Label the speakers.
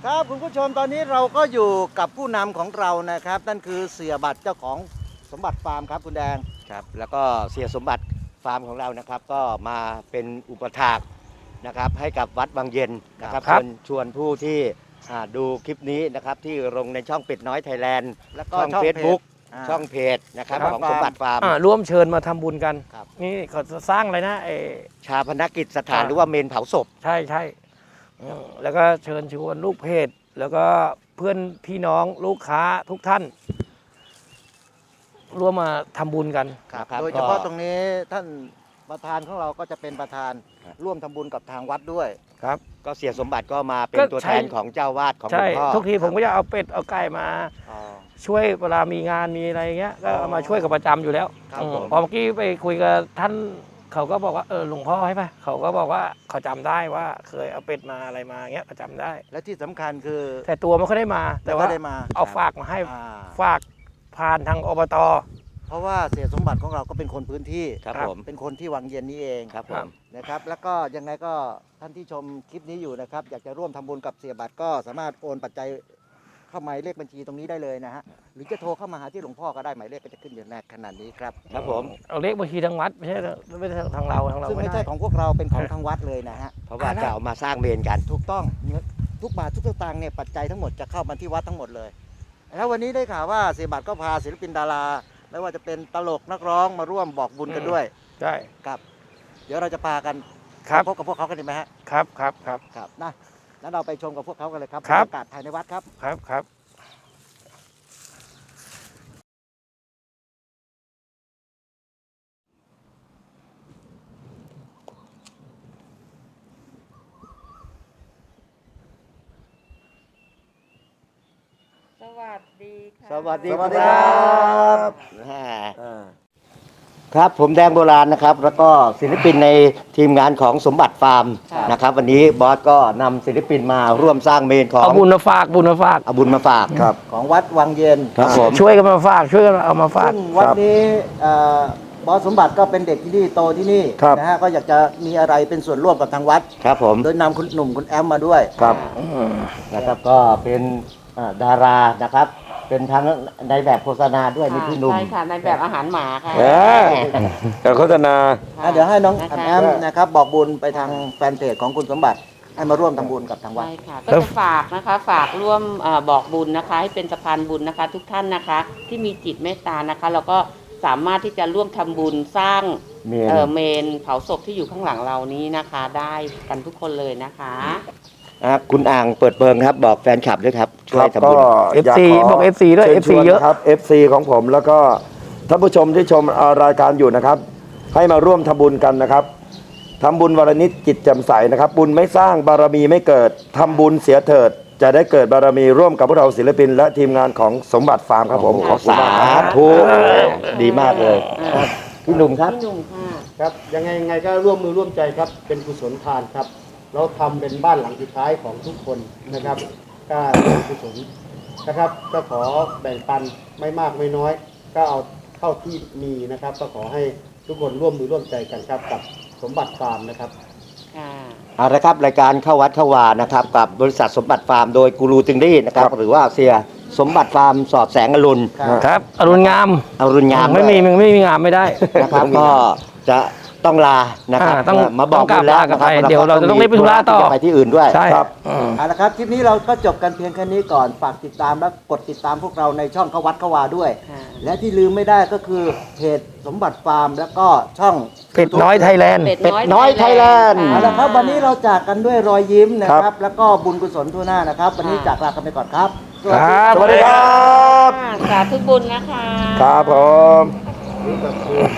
Speaker 1: ครับคุณผู้ชมตอนนี้เราก็อยู่กับผู้นำของเรานะครับนั่นคือเสียบัตรเจ้าของสมบัติฟาร์มครับคุณแดงครับแล้วก็เสียสมบัติฟาร์มของเรานะครับก็มาเป็นอุปถากนะครับให้กับวัดบางเย็นนะครับชวนผู้ที่ดูคลิปนี้นะครับที่ลงในช่องเป็ดน้อยไทยแลนด์แล้วก็ช่อง Facebook ช่องเพจนะครับของสมบัติฟาร์ม
Speaker 2: ร่วมเชิญมาทำบุญกันนี่เขาสร้างอะไรนะ
Speaker 1: ชาพนกิจสถานหรือว่าเมนเผาศพ
Speaker 2: ใช่ใช่แล้วก็เชิญชวนลูกเพจแล้วก็เพื่อนพี่น้องลูกค้าทุกท่านร่วมมาทำบุญกัน
Speaker 1: ครับโดยเฉพาะตรงนี้ท่านประธานของเราก็จะเป็นประธานร่วมทำบุญกับทางวัดด้วย
Speaker 2: ครับ
Speaker 1: ก็เสียสมบัติก็มาเป็นตัวแทนของเจ้าวาดของหลวงพ่อ
Speaker 2: ทุกทีผมก็จะเอาเป็ดเอาไก่มาช่วยเวลามีงานมีอะไรเงี้ยก็มาช่วยกับประจำอยู่แล้วพอเมื่อกี้ไปคุยกับท่านเขาก็บอกว่าหลวงพ่อให้ป่ะเขาก็บอกว่าเขาจำได้ว่าเคยเอาเป็ดมาอะไรมาเงี้ยเขาจำได้
Speaker 1: และที่สำคัญคือ
Speaker 2: แต่ตัวมันก็ได้มาแต่ว่าเอาฝากมาให้ฝากผ่านทางอบต.
Speaker 1: เพราะว่าเสียสมบัติของเราก็เป็นคนพื้นที่ครับผมเป็นคนที่วังเย็นนี้เองครับผมนะครับแล้วก็ยังไงก็ท่านที่ชมคลิปนี้อยู่นะครับอยากจะร่วมทำบุญกับเสียบัตรก็สามารถโอนปัจจัยเข้าหมายเลขบัญชีตรงนี้ได้เลยนะฮะหรือจะโทรเข้ามาหาที่หลวงพ่อก็ได้หมายเลขก็จะขึ้นอยู่ในขนาดนี้ครับครับผม
Speaker 2: เอาเลขบัญชีทางวัดไม่ใช่ทางเรา
Speaker 1: ซึ่งไม่ใช่ของพวกเราเป็นของทางวัดเลยนะฮะเพราะว่าจะเอามาสร้างเมนกันถูกต้องทุกบาททุกสตางค์เนี่ยปัจจัยทั้งหมดจะเข้ามาที่วัดทั้งหมดเลยแล้ววันนี้ได้ข่าวว่าเสียบัตรก็พาศิลปินดาราไม่ว่าจะเป็นตลกนักร้องมาร่วมบอกบุญกันด้วย
Speaker 2: ใช่
Speaker 1: ครับเดี๋ยวเราจะพากันพบกับพวกเขากันดีไหมฮะ
Speaker 2: ครับ
Speaker 1: นะแล้วเราไปชมกับพวกเขากันเลยครับบรรยากาศภายในวัดครับ
Speaker 2: ครับ
Speaker 3: สวัสดีค่ะ
Speaker 1: สวัสดีครับครับผมแดงโบราณนะครับแล้วก็ศิลปินในทีมงานของสมบัติฟาร์มนะครับวันนี้บอสก็นำศิลปินมาร่วมสร้างเมนของ
Speaker 2: เอาบุญมาฝากเอาบุญมาฝาก
Speaker 1: ครับของวัดวังเย็น
Speaker 2: ครับผมช่วยกันมาฝากช่วยกันเอามาฝาก
Speaker 1: ซึ่งวันนี้บอสสมบัติก็เป็นเด็กที่นี่โตที่นี่นะฮะก็อยากจะมีอะไรเป็นส่วนร่วมกับทางวัดครับผมโดยนำคุณหนุ่มคุณแอมมาด้วยครับนะครับก็เป็นดารานะครับเป็นทั้งในแบบโฆษณาด้วยมีพี่หนุ่ม
Speaker 3: ใช่ค่ะในแบบอาหารหมาค่ะ
Speaker 2: แต่โฆษณา
Speaker 1: เดี๋ยวให้น้องแอมนะครับบอกบุญไปทางแฟนเพจของคุณสมบัติให้มาร่วมทำบุญกับทางวัด
Speaker 3: ใช่ค่ะก็จะฝากนะคะฝากร่วมบอกบุญนะคะให้เป็นสะพานบุญนะคะทุกท่านนะคะที่มีจิตเมตตานะคะเราก็สามารถที่จะร่วมทำบุญสร้างเมนเผาศพที่อยู่ข้างหลังเรานี้นะคะได้กันทุกคนเลยนะคะ
Speaker 1: คุณอ่างเปิดเบิงครับบอกแฟนคลับด้วยครับช่วยทำบุญ
Speaker 2: FC บอก FC ด้วย FC เยอะ
Speaker 4: ครับ FC ของผมแล้วก็ท่านผู้ชมที่ชมรายการอยู่นะครับให้มาร่วมทำบุญกันนะครับทำบุญวันละนิดจิตแจ่มใสนะครับบุญไม่สร้างบารมีไม่เกิดทำบุญเสียเถิดจะได้เกิดบารมีร่วมกับพวกเราศิลปินและทีมงานของสมบัติฟาร์มครับผมขอสาธุ
Speaker 1: ดีมากเลยพี่หนุ่มครับ
Speaker 3: พี่หนุ่มค่ะ
Speaker 5: ครับยังไงก็ร่วมมือร่วมใจครับเป็นกุศลทานครับเราทำเป็นบ้านหลังสุดท้ายของทุกคนนะครับก็เป็นกุศลนะครับก็ขอแบ่งปันไม่มากไม่น้อยก็เอาเท่าที่มีนะครับก็ขอให้ทุกคนร่วมมือร่วมใจกันครับกับสมบัติฟาร์มนะครับ
Speaker 1: เอาละครับรายการเข้าวัดเข้าวานะครับกับบริษัทสมบัติฟาร์มโดยกูรูติงดี้นะครับหรือว่าเสียสมบัติฟาร์มสอดแสงอรุณ
Speaker 2: ครับอรุณงามไม่มีงามไม่ได้
Speaker 1: นะครับก็จะต้องลานะครับ
Speaker 2: ต้อง
Speaker 1: มาบอกกันแล้ว
Speaker 2: นะครับเดี๋ยวเราจะต้องรีบไปธุระต่อ
Speaker 1: ไปที่อื่นด้วย
Speaker 2: ใช่ครับ
Speaker 1: เอาละครับคลิปนี้เราก็จบกันเพียงแค่นี้ก่อนฝากติดตามและกดติดตามพวกเราในช่องเข้าวัดเข้าวาด้วยและที่ลืมไม่ได้ก็คือเพจสมบัติฟาร์มแล้วก็ช่อง
Speaker 2: เป็ดน้อยไทยแลนด์
Speaker 1: เป็ดน้อยไทยแลนด์เอาละครับวันนี้เราจากกันด้วยรอยยิ้มนะครับแล้วก็บุญกุศลทั่วหน้านะครับวันนี้จากลากันไปก่อนครับ
Speaker 2: สวัสดีครับ
Speaker 3: สาธุบุญนะคะ
Speaker 4: ครับผม